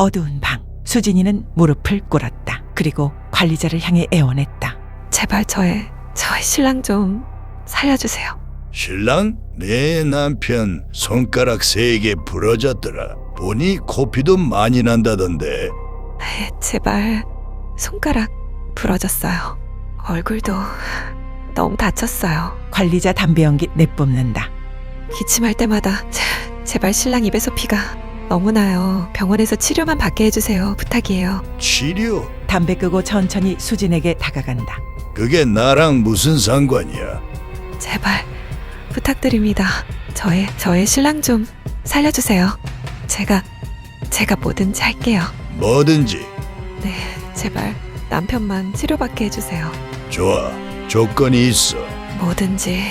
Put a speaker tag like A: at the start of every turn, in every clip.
A: 어두운 방. 수진이는 무릎을 꿇었다. 그리고 관리자를 향해 애원했다.
B: 제발 저의 신랑 좀 살려주세요.
C: 신랑? 내 남편 손가락 3개 부러졌더라. 보니 코피도 많이 난다던데.
B: 제발 손가락 부러졌어요. 얼굴도 너무 다쳤어요.
A: 관리자 담배 연기 내뿜는다.
B: 기침할 때마다 제발 신랑 입에서 피가 너무 나요. 병원에서 치료만 받게 해주세요. 부탁이에요.
C: 치료?
A: 담배 끄고 천천히 수진에게 다가간다.
C: 그게 나랑 무슨 상관이야?
B: 제발 부탁드립니다. 저의 신랑 좀 살려주세요. 제가 뭐든지 할게요.
C: 뭐든지.
B: 네, 제발 남편만 치료받게 해주세요.
C: 좋아. 조건이 있어.
B: 뭐든지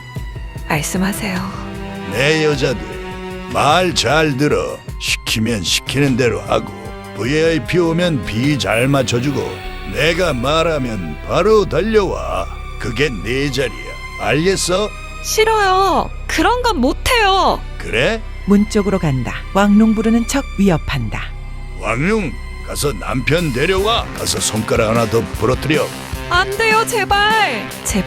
B: 말씀하세요.
C: 내 여자들 말 잘 들어. 시키면 시키는 대로 하고 VIP 오면 비 잘 맞춰주고 내가 말하면 바로 달려와. 그게 내 자리야. 알겠어?
B: 싫어요. 그런 건 못해요.
C: 그래?
A: 문 쪽으로 간다. 왕농 부르는 척 위협한다.
C: 왕룡 가서 남편 데려와. 가서 손가락 하나 더 부러뜨려.
B: 안 돼요, 제발.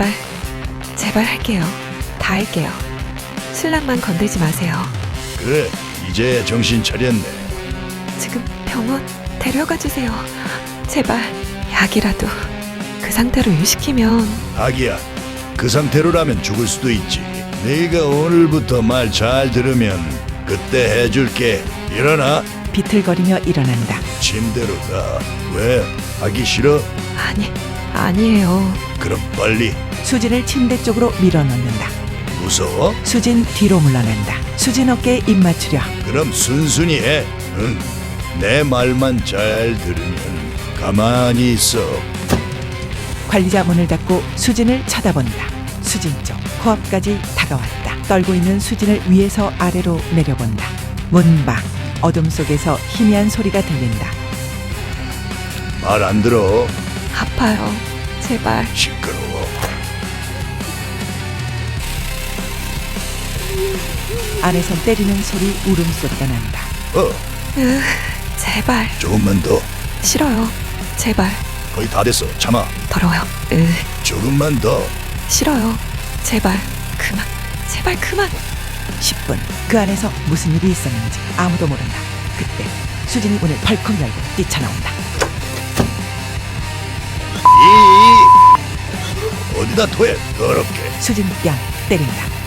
B: 제발 할게요. 다 할게요. 신랑만 건들지 마세요.
C: 그래 이제 정신 차렸네.
B: 지금 병원 데려가 주세요. 제발 약이라도 그 상태로 유식히면.
C: 아기야 그 상태로라면 죽을 수도 있지. 네가 오늘부터 말 잘 들으면 그때 해줄게. 일어나.
A: 비틀거리며 일어난다.
C: 침대로 가. 왜? 하기 싫어?
B: 아니에요.
C: 그럼 빨리.
A: 수진을 침대 쪽으로 밀어넣는다.
C: 무서워?
A: 수진 뒤로 물러난다. 수진 어깨에 입 맞추려.
C: 그럼 순순히 해. 응. 내 말만 잘 들으면 가만히 있어.
A: 관리자 문을 닫고 수진을 쳐다본다. 수진 쪽 코앞까지 다가왔다. 떨고 있는 수진을 위에서 아래로 내려본다. 문 밖 어둠 속에서 희미한 소리가 들린다.
C: 말 안 들어.
B: 아파요. 제발.
C: 시끄러워.
A: 안에서 때리는 소리, 울음소리가 난다.
B: 제발.
C: 조금만 더.
B: 싫어요. 제발.
C: 거의 다 됐어. 참아.
B: 더러워요.
C: 조금만 더.
B: 싫어요. 제발. 그만. 제발 그만.
A: 10분. 그 안에서 무슨 일이 있었는지 아무도 모른다. 그때 수진이 문을 벌컥 열고 뛰쳐나온다.
C: 어디다 토해 더럽게.
A: 수진 뺨 때린다.